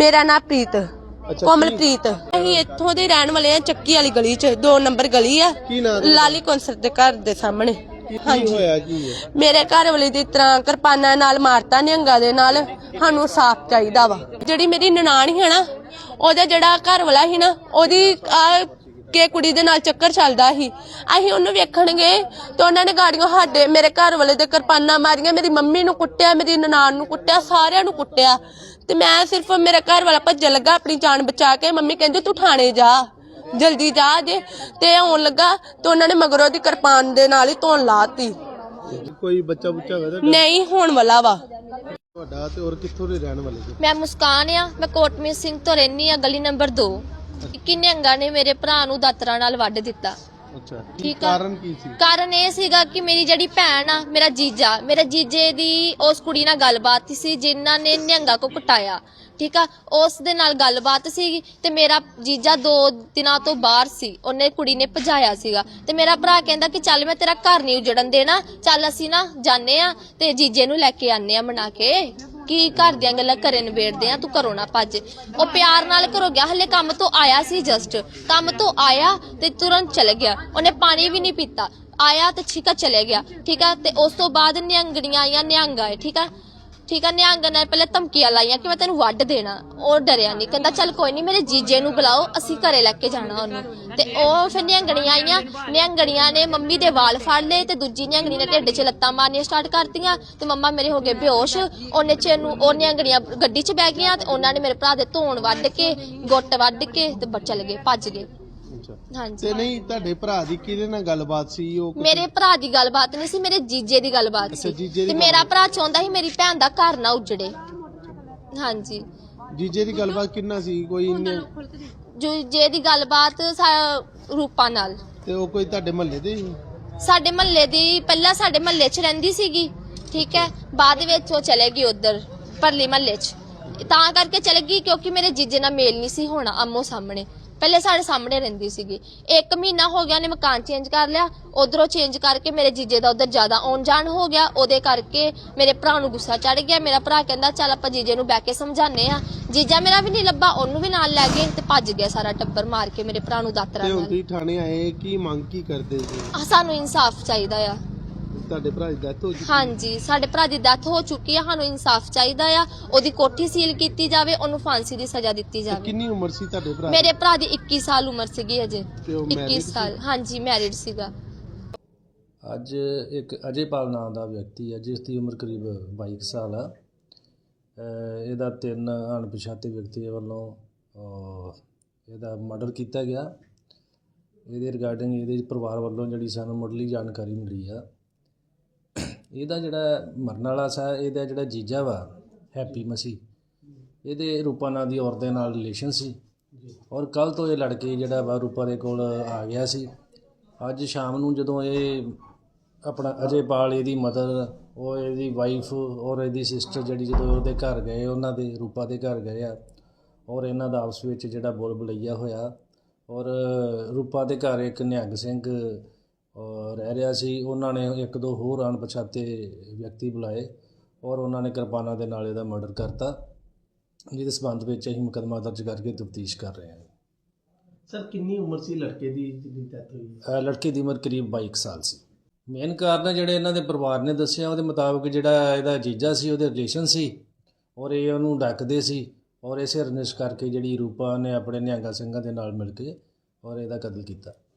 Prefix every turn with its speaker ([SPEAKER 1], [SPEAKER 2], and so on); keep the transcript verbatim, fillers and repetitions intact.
[SPEAKER 1] मेरा नाम प्रीत कोमलप्रीत। ਅਸੀਂ ਇੱਥੋਂ ਦੇ ਰਹਿਣ ਵਾਲੇ ਆ, ਚੱਕੀ ਵਾਲੀ ਗਲੀ ਚ दो नंबर गली ਆ, ਲਾਲੀ ਕੌਂਸਲ ਦੇ ਘਰ ਦੇ ਸਾਹਮਣੇ। ਹਾਂਜੀ ਮੇਰੇ ਘਰ ਵਾਲੇ ਦੀ ਤਰ੍ਹਾਂ ਕਿਰਪਾਨਾਂ ਨਾਲ ਮਾਰਤਾ ਨਿਹੰਗਾਂ ਦੇ ਨਾਲ। ਸਾਨੂੰ ਸਾਫ਼ ਚਾਹੀਦਾ ਵਾ। ਜਿਹੜੀ ਮੇਰੀ ਨਨਾਣ ਹੀ ਹੈ ਨਾ, ਉਹਦਾ ਜਿਹੜਾ ਘਰ ਵਾਲਾ ਸੀ ਨਾ, ਉਹਦੀ ਕਿ ਕੁੜੀ ਦੇ ਨਾਲ ਚੱਕਰ ਚੱਲਦਾ ਸੀ। ਅਸੀਂ ਉਹਨੂੰ ਵੇਖਣ ਗਏ ਤੇ ਉਹਨਾਂ ਨੇ ਗਾੜੀਆਂ ਸਾਡੇ ਮੇਰੇ ਘਰ ਵਾਲੇ ਦੇ ਕਿਰਪਾਨਾਂ ਮਾਰੀਆਂ, ਮੇਰੀ ਮੰਮੀ ਨੂੰ ਕੁੱਟਿਆ, ਮੇਰੀ ਨਨਾਣ ਨੂੰ ਕੁੱਟਿਆ, ਸਾਰਿਆਂ ਨੂੰ ਕੁੱਟਿਆ। ਤੇ ਮੈਂ ਸਿਰਫ ਮੇਰਾ ਘਰ ਵਾਲਾ ਭੱਜਣ ਲੱਗਾ ਆਪਣੀ ਜਾਨ ਬਚਾ ਕੇ। ਮੰਮੀ ਕਹਿੰਦੀ ਤੂੰ ਥਾਣੇ ਜਾ, ਜਲਦੀ ਜਾ ਜੇ। ਤੇ ਆਉਣ ਲੱਗਾ ਤੇ ਉਹਨਾਂ ਨੇ ਮਗਰੋਂ ਦੀ ਕਿਰਪਾਨ ਦੇ ਨਾਲ ਹੀ ਧੋਣ ਲਾਤੀ।
[SPEAKER 2] ਕੋਈ ਬੱਚਾ ਬੁੱਚਾ ਹੋਇਆ
[SPEAKER 1] ਨਹੀਂ ਹੋਣ ਵਾਲਾ ਵਾ।
[SPEAKER 2] ਤੁਹਾਡਾ ਤੇ ਹੋਰ ਕਿੱਥੋਂ ਦੇ ਰਹਿਣ ਵਾਲੇ ਜੀ?
[SPEAKER 3] ਮੈਂ ਮੁਸਕਾਨ ਆ, ਮੈਂ ਕੋਟਮੀਤ ਸਿੰਘ ਤੋਂ ਰਹਿਨੀ ਆ, ਗਲੀ ਨੰਬਰ दो। ਕਿ ਨਿਹੰਗਾਂ ਨੇ ਮੇਰੇ ਭਰਾ ਨੂੰ ਦਾਤਰਾਂ ਨਾਲ ਵੱਢ ਦਿੱਤਾ।
[SPEAKER 2] ਅੱਛਾ,
[SPEAKER 3] ਠੀਕ ਆ।
[SPEAKER 2] ਕਾਰਨ ਕੀ ਸੀ?
[SPEAKER 3] ਕਾਰਨ ਇਹ ਸੀਗਾ ਕਿ ਮੇਰੀ ਜਿਹੜੀ ਭੈਣ ਆ, ਮੇਰਾ ਜੀਜਾ, ਮੇਰੇ ਜੀਜੇ ਦੀ ਉਸ ਕੁੜੀ ਨਾਲ ਗੱਲਬਾਤ ਸੀ ਜਿਨ੍ਹਾਂ ਨੇ ਨਿਹੰਗਾਂ ਕੋ ਕੁਟਾਇਆ। ਠੀਕ ਆ, ਉਸ ਦੇ ਨਾਲ ਗੱਲਬਾਤ ਸੀ ਤੇ ਮੇਰਾ ਜੀਜਾ ਦੋ ਦਿਨਾਂ ਤੋਂ ਬਾਹਰ ਸੀ, ਉਹਨੇ ਕੁੜੀ ਨੇ ਭਜਾਇਆ ਸੀਗਾ। ਤੇ ਮੇਰਾ ਭਰਾ ਕਹਿੰਦਾ ਕਿ ਚੱਲ ਮੈਂ ਤੇਰਾ ਘਰ ਨਹੀਂ ਉਜੜਨ ਦੇਣਾ, ਚੱਲ ਅਸੀਂ ਨਾ ਜਾਣੇ ਆ ਤੇ ਜੀਜੇ ਨੂੰ ਲੈ ਕੇ ਆਨੇ ਆ ਮਨਾ ਕੇ, ਕਿ ਘਰ ਦੀਆਂ ਗੱਲਾਂ ਘਰੇ ਨਿਬੇੜਦੇ ਆ, ਤੂੰ ਘਰੋਂ ਨਾ ਭੱਜ। ਉਹ ਪਿਆਰ ਨਾਲ ਘਰੋਂ ਗਿਆ, ਹਲੇ ਕੰਮ ਤੋਂ ਆਇਆ ਸੀ, ਜਸਟ ਕੰਮ ਤੋਂ ਆਇਆ ਤੇ ਤੁਰੰਤ ਚਲੇ ਗਿਆ। ਉਹਨੇ ਪਾਣੀ ਵੀ ਨਹੀਂ ਪੀਤਾ, ਆਇਆ ਤੇ ਠੀਕ ਆ ਚਲੇ ਗਿਆ। ਠੀਕ ਆ, ਤੇ ਉਸ ਤੋਂ ਬਾਅਦ ਨਿਹੰਗਣੀਆਂ ਆਈਆਂ, ਨਿਹੰਗ ਆਏ। ਠੀਕ ਆ ਠੀਕ ਆ ਨਿਹੰਗ ਨੇ ਪਹਿਲੇ ਧਮਕੀਆਂ ਲਾਈਆਂ ਕਿ ਮੈਂ ਤੈਨੂੰ ਵੱਢ ਦੇਣਾ। ਉਹ ਡਰਿਆ ਨਹੀਂ, ਕਹਿੰਦਾ ਚੱਲ ਕੋਈ ਨਹੀਂ, ਮੇਰੇ ਜੀਜੇ ਨੂੰ ਬੁਲਾਓ, ਅਸੀਂ ਘਰੇ ਲੈ ਕੇ ਜਾਣਾ ਉਹਨੂੰ। ਤੇ ਉਹ ਫਿਰ ਨਿਹੰਗਣੀਆਂ ਆਈਆਂ, ਨਿਹੰਗਣੀਆਂ ਨੇ ਮੰਮੀ ਦੇ ਵਾਲ ਫੜ ਲਏ ਤੇ ਦੂਜੀ ਨਿਹੰਗਣੀ ਨੇ ਢਿੱਡ 'ਚ ਲੱਤਾਂ ਮਾਰਨੀਆਂ ਸਟਾਰਟ ਕਰਤੀਆਂ ਤੇ ਮੰਮਾ ਮੇਰੇ ਹੋ ਗਏ ਬੇਹੋਸ਼। ਉਹਨੇ ਚ ਨੂੰ ਉਹ ਨਿਹੰਗਣੀਆਂ ਗੱਡੀ 'ਚ ਬਹਿ ਗਈਆਂ ਤੇ ਉਹਨਾਂ ਨੇ ਮੇਰੇ ਭਰਾ ਦੇ ਧੌਣ ਵੱਢ ਕੇ, ਗੁੱਟ ਵੱਢ ਕੇ ਤੇ ਚਲੇ ਗਏ, ਭੱਜ ਗਏ। ਹਾਂਜੀ।
[SPEAKER 2] ਤੇ ਨਹੀਂ ਤੁਹਾਡੇ ਭਰਾ ਦੀ ਕਿਹਦੇ ਨਾਲ ਗੱਲਬਾਤ ਸੀ? ਉਹ
[SPEAKER 3] ਮੇਰੇ ਭਰਾ ਦੀ ਗੱਲਬਾਤ ਨਹੀਂ ਸੀ, ਮੇਰੇ ਜੀਜੇ ਦੀ ਗੱਲਬਾਤ ਸੀ। ਤੇ ਮੇਰਾ ਭਰਾ ਚਾਹੁੰਦਾ ਸੀ ਮੇਰੀ ਭੈਣ ਦਾ ਘਰ ਨਾ ਉਜੜੇ। ਹਾਂਜੀ।
[SPEAKER 2] ਜੀਜੇ ਦੀ ਗੱਲਬਾਤ ਕਿੰਨਾ ਸੀ? ਕੋਈ ਇੰਨੇ
[SPEAKER 3] ਜੀਜੇ ਦੀ ਗੱਲਬਾਤ ਰੂਪਾ ਨਾਲ।
[SPEAKER 2] ਤੇ ਉਹ ਕੋਈ ਤੁਹਾਡੇ ਮਹੱਲੇ ਦੇ ਸੀ?
[SPEAKER 3] ਸਾਡੇ ਮਹੱਲੇ ਦੀ, ਪਹਿਲਾਂ ਸਾਡੇ ਮਹੱਲੇ 'ਚ ਰਹਿੰਦੀ ਸੀਗੀ। ਠੀਕ ਹੈ, ਬਾਅਦ ਵਿੱਚ ਉਹ ਚਲੇ ਗਈ ਉਧਰ ਪਰਲੀ ਮਹੱਲੇ 'ਚ। ਤਾਂ ਕਰਕੇ ਚਲੇ ਗਈ ਕਿਉਂਕਿ ਮੇਰੇ ਜੀਜੇ ਨਾਲ ਮੇਲ ਨਹੀਂ ਸੀ ਹੋਣਾ ਆਮੋ ਸਾਹਮਣੇ। ਪਹਿਲੇ ਸਾਡੇ ਸਾਹਮਣੇ ਰਹਿੰਦੀ ਸੀਗੀ। ਇੱਕ ਮਹੀਨਾ ਹੋ ਗਿਆ ਉਹਨੇ ਮਕਾਨ ਚੇਂਜ ਕਰ ਲਿਆ, ਉਧਰੋਂ ਚੇਂਜ ਕਰਕੇ ਮੇਰੇ ਜੀਜੇ ਦਾ ਉਧਰ ਜ਼ਿਆਦਾ ਆਉਣ ਜਾਣ ਹੋ ਗਿਆ। ਉਹਦੇ ਕਰਕੇ ਮੇਰੇ ਭਰਾ ਨੂੰ ਗੁੱਸਾ ਚੜ ਗਿਆ। ਮੇਰਾ ਭਰਾ ਕਹਿੰਦਾ ਚੱਲ ਆਪਾਂ ਜੀਜੇ ਨੂੰ ਬਹਿ ਕੇ ਸਮਝਾਉਂਦੇ ਆ। ਜੀਜਾ ਮੇਰਾ ਵੀ ਨਹੀਂ ਲੱਭਾ, ਉਹਨੂੰ ਵੀ ਨਾਲ ਲੈ ਗਏ ਤੇ ਭੱਜ ਗਿਆ ਸਾਰਾ ਟੱਬਰ ਮਾਰ ਕੇ ਮੇਰੇ ਭਰਾ ਨੂੰ ਦਾਤਰਾ ਨਾਲ।
[SPEAKER 2] ਤੇ ਥਾਣੇ ਆਏ, ਕੀ ਮੰਗ ਕੀ ਕਰਦੇ ਸੀ?
[SPEAKER 3] ਸਾਨੂੰ ਇਨਸਾਫ ਚਾਹੀਦਾ ਆ।
[SPEAKER 2] ਤੁਹਾਡੇ ਭਰਾ ਦੀ ਡੈਥ ਹੋ ਚੁੱਕੀ?
[SPEAKER 3] ਹਾਂਜੀ, ਸਾਡੇ ਭਰਾ ਦੀ ਡੈਥ ਹੋ ਚੁੱਕੀ ਆ। ਸਾਨੂੰ ਇਨਸਾਫ ਚਾਹੀਦਾ ਆ। ਉਹਦੀ ਕੋਠੀ ਸੀਲ ਕੀਤੀ ਜਾਵੇ, ਉਹਨੂੰ ਫਾਂਸੀ ਦੀ ਸਜ਼ਾ ਦਿੱਤੀ ਜਾਵੇ।
[SPEAKER 2] ਕਿੰਨੀ ਉਮਰ ਸੀ ਤੁਹਾਡੇ ਭਰਾ ਦੀ?
[SPEAKER 3] ਮੇਰੇ ਭਰਾ ਦੀ ਇੱਕੀ ਸਾਲ ਉਮਰ ਸੀਗੀ ਅਜੇ।
[SPEAKER 2] ਇੱਕੀ
[SPEAKER 3] ਸਾਲ। ਹਾਂਜੀ, ਮੈਰਿਡ ਸੀਗਾ।
[SPEAKER 4] ਅੱਜ ਇੱਕ ਅਜੇਪਾਲ ਨਾਂ ਦਾ ਵਿਅਕਤੀ ਹੈ ਜਿਸ ਦੀ ਉਮਰ ਕਰੀਬ ਬਾਈ ਸਾਲ ਆ। ਇਹਦਾ ਤਿੰਨ ਅਣਪਛਾਤੇ ਵਿਅਕਤੀਆਂ ਵੱਲੋਂ ਇਹਦਾ ਮਰਡਰ ਕੀਤਾ ਗਿਆ। ਇਹਦੇ ਰਿਗਾਰਡਿੰਗ ਇਹਦੇ ਪਰਿਵਾਰ ਵੱਲੋਂ ਜਿਹੜੀ ਸਾਨੂੰ ਮੁੱਢਲੀ ਜਾਣਕਾਰੀ ਮਿਲੀ ਆ, ਇਹਦਾ ਜਿਹੜਾ ਮਰਨ ਵਾਲਾ ਸਾ, ਇਹਦਾ ਜਿਹੜਾ ਜੀਜਾ ਵਾ ਹੈਪੀ ਮਸੀਹ, ਇਹਦੇ ਰੂਪਾ ਨਾਂ ਦੀ ਔਰਤ ਦੇ ਨਾਲ ਰਿਲੇਸ਼ਨ ਸੀ। ਔਰ ਕੱਲ੍ਹ ਤੋਂ ਇਹ ਲੜਕੇ ਜਿਹੜਾ ਵਾ ਰੂਪਾ ਦੇ ਕੋਲ ਆ ਗਿਆ ਸੀ। ਅੱਜ ਸ਼ਾਮ ਨੂੰ ਜਦੋਂ ਇਹ ਆਪਣਾ ਅਜੇਪਾਲ, ਇਹਦੀ ਮਦਰ, ਉਹ ਇਹਦੀ ਵਾਈਫ ਔਰ ਇਹਦੀ ਸਿਸਟਰ ਜਿਹੜੀ ਜਦੋਂ ਉਹਦੇ ਘਰ ਗਏ, ਉਹਨਾਂ ਦੇ ਰੂਪਾ ਦੇ ਘਰ ਗਏ ਆ, ਔਰ ਇਹਨਾਂ ਦਾ ਆਪਸ ਵਿੱਚ ਜਿਹੜਾ ਬੋਲ ਬਲਈਆ ਹੋਇਆ। ਔਰ ਰੂਪਾ ਦੇ ਘਰ ਇੱਕ ਨਿਹੰਗ ਸਿੰਘ ਰਹਿ ਰਿਹਾ ਸੀ। ਉਹਨਾਂ ਨੇ ਇੱਕ ਦੋ ਹੋਰ ਅਣਪਛਾਤੇ ਵਿਅਕਤੀ ਬੁਲਾਏ ਔਰ ਉਹਨਾਂ ਨੇ ਕਿਰਪਾਨਾਂ ਦੇ ਨਾਲ ਇਹਦਾ ਮਰਡਰ ਕਰਤਾ, ਜਿਹਦੇ ਸਬੰਧ ਵਿੱਚ ਅਸੀਂ ਮੁਕੱਦਮਾ ਦਰਜ ਕਰਕੇ ਤਫਤੀਸ਼ ਕਰ ਰਹੇ ਹਾਂ।
[SPEAKER 2] ਸਰ, ਕਿੰਨੀ ਉਮਰ ਸੀ ਲੜਕੇ ਦੀ ਜਿਹਦੀ ਡੈਥ ਹੋਈ?
[SPEAKER 4] ਲੜਕੇ ਦੀ ਉਮਰ ਕਰੀਬ ਬਾਈ ਸਾਲ ਸੀ। ਮੇਨ ਕਾਰਨ ਜਿਹੜੇ ਇਹਨਾਂ ਦੇ ਪਰਿਵਾਰ ਨੇ ਦੱਸਿਆ, ਉਹਦੇ ਮੁਤਾਬਕ ਜਿਹੜਾ ਇਹਦਾ ਜੀਜਾ ਸੀ ਉਹਦੇ ਰਿਲੇਸ਼ਨ ਸੀ ਔਰ ਇਹ ਉਹਨੂੰ ਡੱਕਦੇ ਸੀ। ਔਰ ਇਸੇ ਰੰਜਿਸ਼ ਕਰਕੇ ਜਿਹੜੀ ਰੂਪਾ ਨੇ ਆਪਣੇ ਨਿਹੰਗਾ ਸਿੰਘਾਂ ਦੇ ਨਾਲ ਮਿਲ ਕੇ ਔਰ ਇਹਦਾ ਕਤਲ ਕੀਤਾ।